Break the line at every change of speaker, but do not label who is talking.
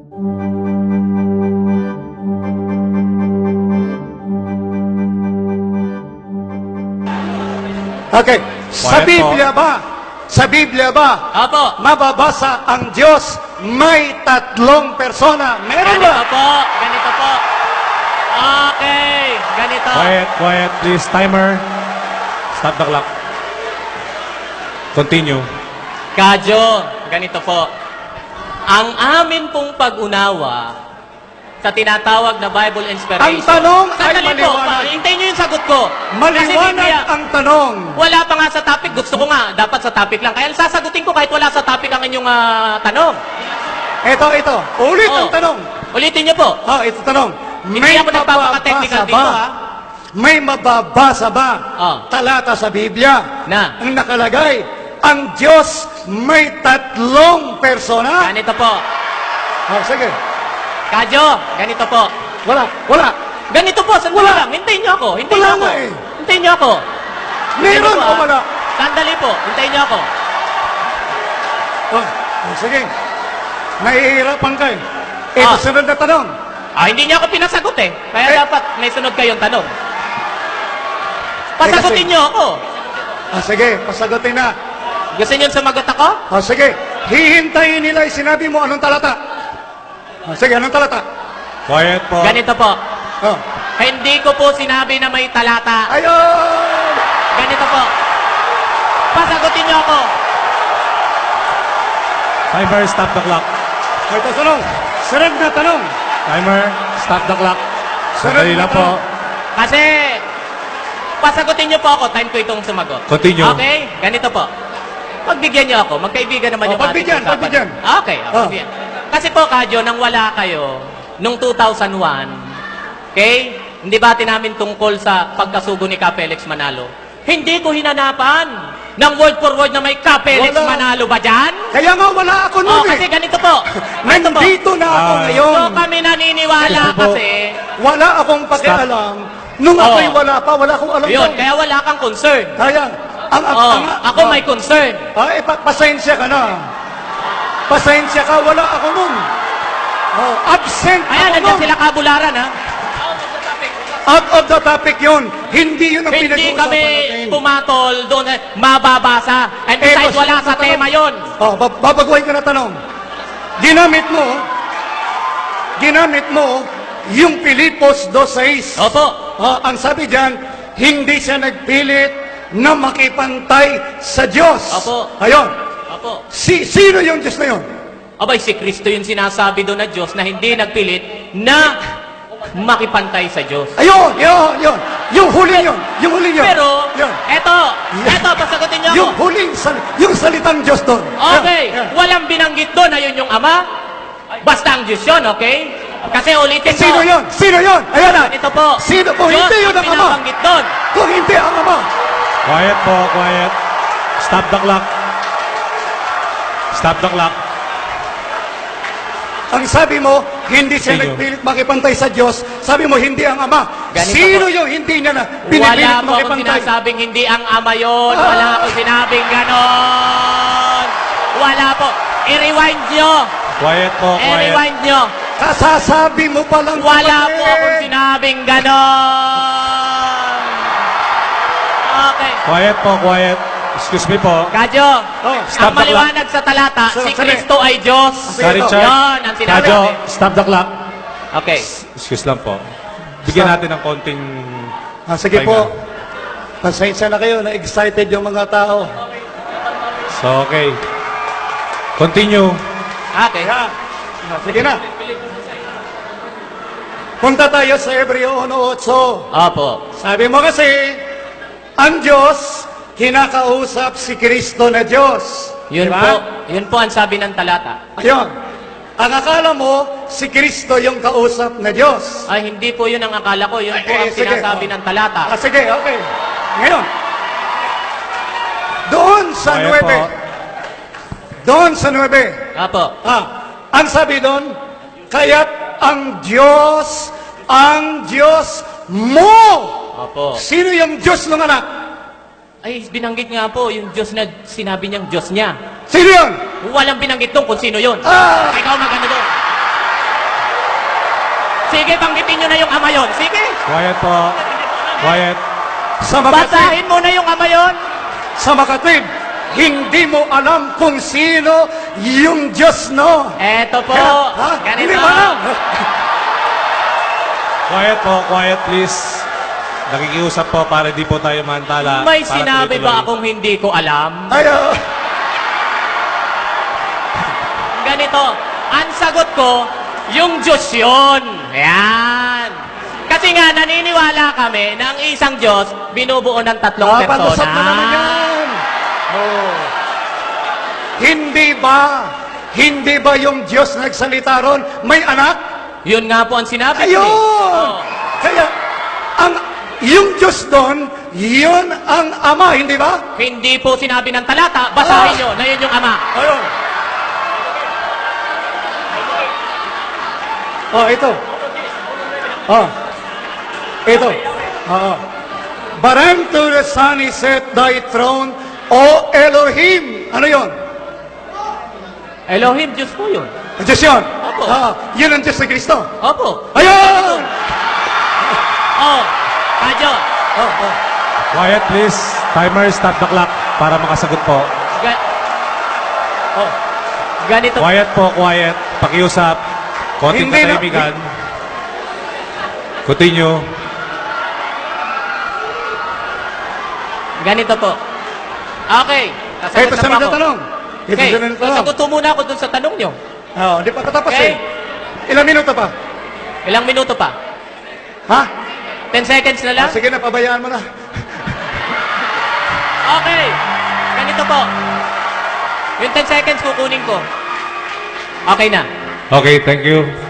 Okay. Sa Biblia ba? Sa Biblia ba?
Opo.
Mababasa ang Diyos may tatlong persona. Meron ba?
Ganito po. Ganito po. Okay. Ganito.
Quiet, quiet, please. Timer. Stop the clock. Continue.
Kadyo, ganito po. Ang amin pong pag-unawa sa tinatawag na Bible inspiration.
Ang tanong ay
Sandali po,
maliwanag.
hintayin nyo yung sagot ko. Kasi
Maliwanag
Biblia,
ang tanong.
wala pa nga sa topic. Gusto ko nga, dapat sa topic lang. Kaya sasagutin ko kahit wala sa topic ang inyong tanong.
Ito. Ulit ang
Oh.
tanong.
Ulitin nyo po.
Ito tanong.
Hindi ako nagpapaka-technical dito, ha?
May mababasa ba
Oh.
talata sa Biblia
Na.
ang nakalagay, ang Diyos may tatlong persona?
Ganito po.
Sige.
Kadyo, ganito po.
Wala.
Ganito po, sandali
Wala.
lang. Hintayin nyo ako. Hintayin
Wala
nyo ako.
nga eh.
Hintayin nyo ako.
Meron
Ganito po,
o
ha?
wala?
Sandali po. Hintayin nyo ako.
Sige. Nahihirapan ka eh. Ito
Ah.
sunod na tanong.
Hindi niyo ako pinasagot eh. Kaya dapat may sunod kayong tanong. Pasagutin
kasi-
niyo ako.
Sige, pasagutin na.
Gusto niyo sumagot ako?
Sige. Hihintayin nila yung sinabi mo anong talata. Sige, anong talata?
Quiet po.
Ganito po.
Oh.
Hindi ko po sinabi na may talata.
Ayun!
Ganito po. Pasagutin niyo ako.
Timer, stop the clock.
Ito tanong. Sunod na tanong.
Timer, stop the clock.
Sunod
Sandali
na
lang po.
Kasi, pasagutin niyo po ako. Time ko itong sumagot.
Continue.
Okay? Ganito po. Pagbigyan niyo ako. Magkaibigan naman yung
pagbigyan,
ating usapan.
pagbigyan.
Okay,
Oh.
pagbigyan. Kasi po, Kadyo, nang wala kayo, nung 2001, okay? Hindi bati namin tungkol sa pagkasugo ni Ka Felix Manalo. Hindi ko hinanapan ng word for word na may Ka Felix
Wala.
Manalo ba dyan?
Kaya nga wala ako nun
Kasi
eh.
ganito po. Ganito po.
Nandito na ako ngayon.
So kami naniniwala
Ganito po.
kasi,
Wala akong pakialam. Nung ako'y wala pa, wala akong alam
yun,
doon.
kaya wala kang concern.
Kaya,
Ako may concern.
pasensya ka na. Pasensya ka, wala ako nun. Absent
Ayan,
ako
nandiyan
nun.
sila kabularan, ha?
Out of the topic yun. Hindi yun ang
Hindi
pinag-uusapan
kami
natin.
pumatol doon, mababasa. And besides,
Eto,
wala
sunod
sa
na
tema
tanong.
yon.
Babaguhin ko na tanong. Ginamit mo yung Pilipos 2.6.
Opo.
Ang sabi diyan, hindi siya nagpilit na makipantay sa Diyos.
Opo.
Ayun.
Opo.
Sino yung Diyos na yun?
Abay, si Kristo yung sinasabi doon na Diyos na hindi nagpilit na makipantay sa Diyos.
Ayun. Yung huling yun.
Pero,
Yun.
eto, pasagutin niyo
Yung
ako.
huling, yung salitang Diyos doon.
Okay,
Yan.
walang binanggit doon na yun yung Ama. Basta ang Diyos yun, okay? Kasi ulitin ko.
Sino yun? Ayan na.
Ito po.
Sino po?
Diyos
Hindi yun ang Ama.
binabanggit doon.
Kung hindi ang Ama.
Quiet po, quiet. Stop the clock. Stop the clock.
Ang sabi mo, hindi siya
Sino?
nagpilit makipantay sa Diyos. Sabi mo, hindi ang Ama.
Ganito
Sino
po.
yung hindi niya na
Wala
pinipilit
po akong
makipantay?
sinasabing hindi ang Ama yun. Wala akong sinabing ganon. Wala po. I-rewind nyo.
Quiet po, quiet.
I-rewind nyo.
Kasasabi mo palang
Wala
kapatid.
po akong sinabing ganon. Okay.
Quiet po, quiet. Excuse me po.
Kadyo,
Stop
ang
the clock.
maliwanag sa talata,
So,
si
sorry.
Kristo ay Diyos.
Sige,
Richard.
Yun, ang sinabi
Kadyo,
natin.
stop the clock.
Okay.
Excuse lang po. Bigyan
Stop.
natin ng konting...
Sige
pahinga.
po. Pasensya na kayo, na-excited yung mga tao.
So, okay. Continue.
Okay.
Sige na. Punta tayo sa Hebreo 1:8.
Opo.
Sabi mo kasi, ang Diyos, kinakausap si Kristo na Diyos.
Yun
Diba?
po. Yun po ang sabi ng talata.
Ayun. Ang akala mo, si Kristo yung kausap na Diyos.
Ay, hindi po yun ang akala ko. Yun po ang
sige.
sinasabi ng talata.
Sige, okay. Ngayon, doon sa
Quiet
9.
po.
Doon sa 9.
Opo.
Ang sabi doon, kaya't ang Diyos mo.
Opo.
Sino yung Diyos ng anak?
Ay, binanggit nga po yung Diyos na sinabi niyang Diyos niya.
Sino yun?
Walang binanggit doon kung sino yun.
Ah!
Ikaw magano doon. Sige, banggitin nyo na yung ama yon. Sige.
Quiet po. Quiet.
Sa makatwid,
Basahin mo na yung ama yon.
sa makatwid, hindi mo alam kung sino yung Diyos, no?
Eto po.
Ha? Hindi
Ganito.
mo alam.
Quiet po. Quiet, please. Nakikiusap po para di po tayo mantala.
May
Para
sinabi
tuloy-tuloy.
ba akong hindi ko alam?
Ay,
Ganito, ang sagot ko, yung Diyos yun. Ayan. Kasi nga, naniniwala kami na ang isang Diyos, binubuo ng tatlong persona.
palusot mo naman yan. Oh. Hindi ba yung Diyos nagsalita ron, may anak?
Yun nga po ang sinabi ko.
Ayun!
Oh.
Kaya, yung Diyos doon, yun ang Ama, hindi ba?
Hindi po sinabi ng talata, basahin nyo na yun yung ama.
Ayun. Oh, ito. Oh. Ito. Oo. But unto the Son is set thy throne, O Elohim. Ano yun?
Elohim, Diyos po yun.
Ang Diyos yun.
Opo.
Yun ang Diyos ni Kristo.
Opo.
Ayun!
Oh, Kadyo.
Oh.
Quiet, please. Timer, stop the clock para makasagot po.
Ganito.
Quiet po, quiet. Pakiusap. Konting
Hindi na-
katahimikan. Continue.
Ganito po. Okay.
Ito
Sasagot
sunod
na
na
po ako.
tanong. Ito
Okay.
sunod na tanong.
Sasagot po muna ako dun sa tanong nyo.
Hindi pa katapos
Okay.
Ilang minuto pa?
Ilang minuto pa?
Ha?
10 seconds na lang?
Sige na, pabayaan mo na.
Okay. Ganito po. Yung 10 seconds kukunin ko. Okay na.
Okay, thank you.